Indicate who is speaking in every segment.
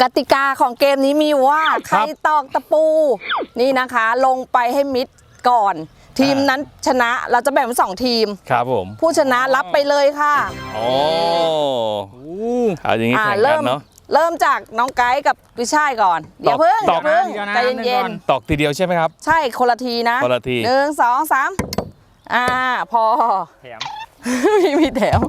Speaker 1: กติกาของเกมนี้มีว่าใครตอกตะปูนี่นะคะลงไปให้มิดก่อน ทีมนั้นชนะเราจะแบ่งเป็น2 ทีม
Speaker 2: ครับผม
Speaker 1: ผู้ชนะรับไปเลยค่ะ
Speaker 2: โอ้เอาอย่างนี้แข่งกันเนาะ
Speaker 1: เริ่มจากน้องไกด์กับวิชัยก่อนอย่าเพิ่งใจเย็น
Speaker 2: ๆตอกทีเดียวใช่ไหมครับ
Speaker 1: ใช่คนละทีนะ
Speaker 2: คนละที
Speaker 1: 1 2 3พอ
Speaker 2: แถม
Speaker 1: มีแถม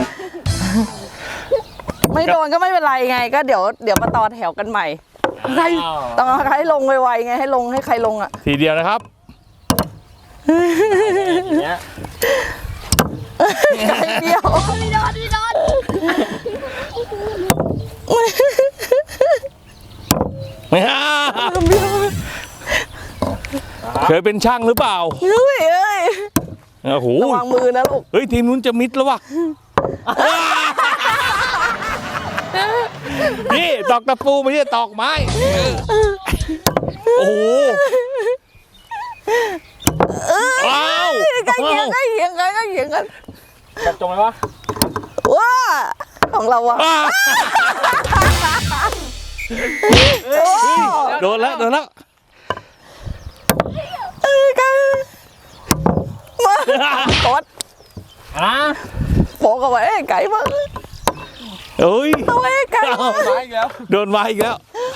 Speaker 1: ไม่โดนก็ไม่เป็นไรไงก็เดี๋ยวมาต่อแถวกันใหม่ใครต้องให้ลงไวๆไงให้ลงให้ใครลงอ่ะ
Speaker 2: ทีเดียวนะครับ
Speaker 1: ไกด์เดียวไม่โดน
Speaker 2: เคยเป็นช่างหรือเปล่า
Speaker 1: เฮ้ย
Speaker 2: โอ้โห
Speaker 1: ระวังมือนะลูก
Speaker 2: เฮ้ยทีมนู้นจะมิดแล้ววะนี่ตอกตะปูไม่ใช่ตอกไม้โอ้โหว้าว
Speaker 1: ใกล้เคียงกัน
Speaker 2: จับจงไหมวะ
Speaker 1: ว้าของเราอะ
Speaker 2: โดนแล้ว
Speaker 1: กันมากดโผล่กันไว้ไก่บ้าง
Speaker 2: เฮ้ย
Speaker 1: เอาไว้ไก่
Speaker 2: โดนมาอีกแล้ว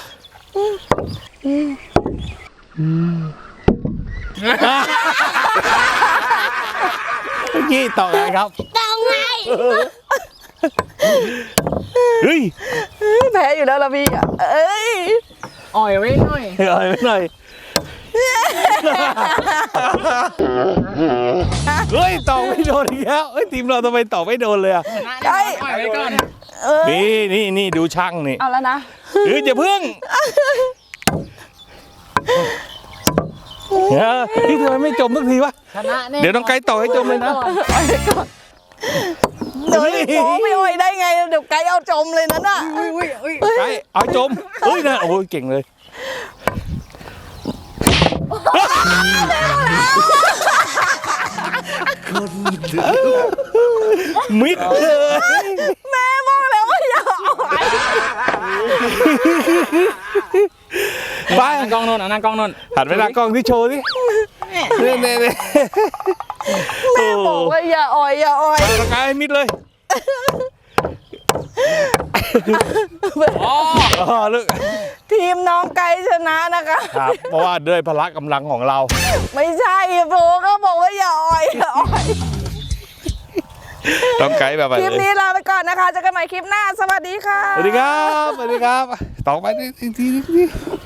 Speaker 2: เมื่อกี้ต่อไงครับ
Speaker 3: ต่อไง
Speaker 2: เฮ้ย
Speaker 1: แพ้อยู่แล้วล่ะพี่เอ้ย
Speaker 3: อ่อยไว้หน่อย
Speaker 2: เฮ้ยต่อไม่โดนอีกแล้วเฮ้ยทีมเราทำไมต่อไม่โดนเลยอ่ะ
Speaker 1: ไก่
Speaker 3: อ่อยไว้ก่อน
Speaker 2: นี่ดูช่างนี่
Speaker 1: เอาแล้วนะ
Speaker 2: อย่าเพิ่งนี่ทำไมไม่จมสักทีวะเดี๋ยวน้องไก่ต่อให้จมเลยนะ
Speaker 1: เดี๋ยวไม่อ่อยได้ไงเดี๋ยวไก่เอาจมเลยนั่นน่ะ
Speaker 2: ไก่เอาจมเฮ้ยนะโอ้ยเก่งเลยมิดเลย
Speaker 1: แม่บอกแล้วว่าอย่าอ่อย
Speaker 2: ไป
Speaker 3: นั่งกล้องนนนั่งกล้องนน
Speaker 2: หันไปหน้ากล้องที่โชว์ดิเนี่ย
Speaker 1: แม่บอกว่าอย่าอ่อย
Speaker 2: ร่างกายมิดเลยลูก
Speaker 1: ทีมน้องไก่ชนะนะคะ
Speaker 2: ครับเพราะว่าด้วยพละกำลังของเรา
Speaker 1: ไม่ใช่โบก็บอกว่าอย่าอ่อย
Speaker 2: ต้องไกด์แบบ
Speaker 1: คลิปนี้ลาไปก่อนนะคะเจอกันใหม่คลิปหน้าสวัสดีค่ะ
Speaker 2: สวัสดีครับต่อไปที